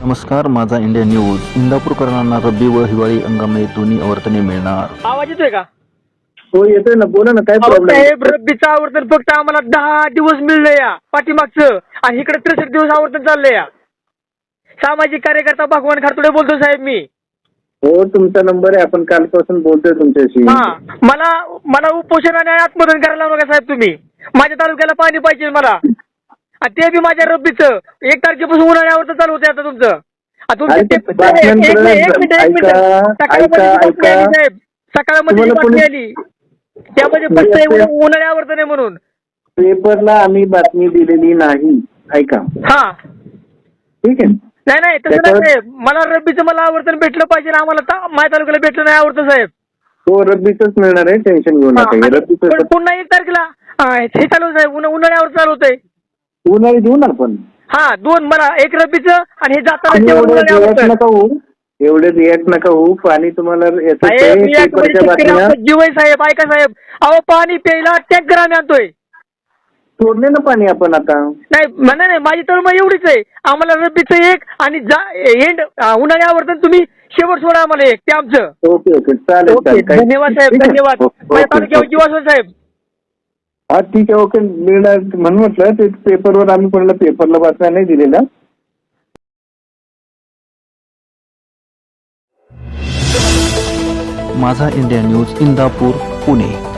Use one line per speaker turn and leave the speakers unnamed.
नमस्कार, माझा India news. इंदापूरकरांना रब्बी व हिवाळी हंगामात दोन्ही आवर्तने मिळणार.
आवाज येतोय का?
हो येतोय ना, बोला ना, काय प्रॉब्लेम?
साहेब, रब्बीचं आवर्तन फक्त आम्हाला 10 दिवस मिळलं या पाठीमागचं, आणि इकडे 63 दिवस आवर्तन चाललंय या. सामाजिक कार्यकर्ता भगवान खारतोडे बोलतो साहेब मी.
हो, तुमचा नंबर आहे, आपण कालपासून बोलतोय तुमच्याशी.
हा, मला उपोषण आणि आत्मदहन करायला लावू नका साहेब तुम्ही. माझ्या तालुक्याला पाणी पाहिजे मला, आणि ते बी माझ्या रब्बीचं 1 तारखेपासून उन्हाळी आवर्तन चालू होते आता तुमचं. सकाळमध्ये बातमी आली, त्यामध्ये फक्त उन्हाळी आवर्तन आहे म्हणून.
पेपरला आम्ही बातमी दिलेली नाही, ऐका.
हा,
ठीक आहे.
नाही तसं नाही साहेब, मला रब्बीचं मला आवर्तन भेटलं पाहिजे. आम्हाला माझ्या तालुक्याला भेटलं नाही आवर्तन साहेब.
हो, रब्बीच मिळणार आहे, टेन्शन घेऊ नका. रब्बीचं
पुन्हा 1 तारखेला हे चालू साहेब, उन्हाळी आवर्तन चालू होतंय.
उन्हाळी देऊ ना आपण.
हा, 2 मला 1 रब्बीचं आणि हे जाताना
एवढे रिॲक्ट नका होऊ. पाणी तुम्हाला
जीव आहे साहेब, ऐका साहेब. अहो, पाणी प्यायला टँकर आम्ही आणतोय.
सोडले ना पाणी आपण आता.
नाही, माझी तळमळ एवढीच आहे. आम्हाला रब्बीचं 1 आणि एंड उन्हाळी आवर्तन तुम्ही शेवट सोडा आम्हाला 1, ते आमचं.
ओके चालेल.
धन्यवाद साहेब, धन्यवाद. माझ्या तालुक्यावर जीवास साहेब.
हा, ठीक आहे, ओके, मिळणार म्हणून म्हटलं. ते पेपरवर आम्ही कोणाला पेपरला वाचना नाही दिलेला.
माझा इंडिया न्यूज, इंदापूर, पुणे.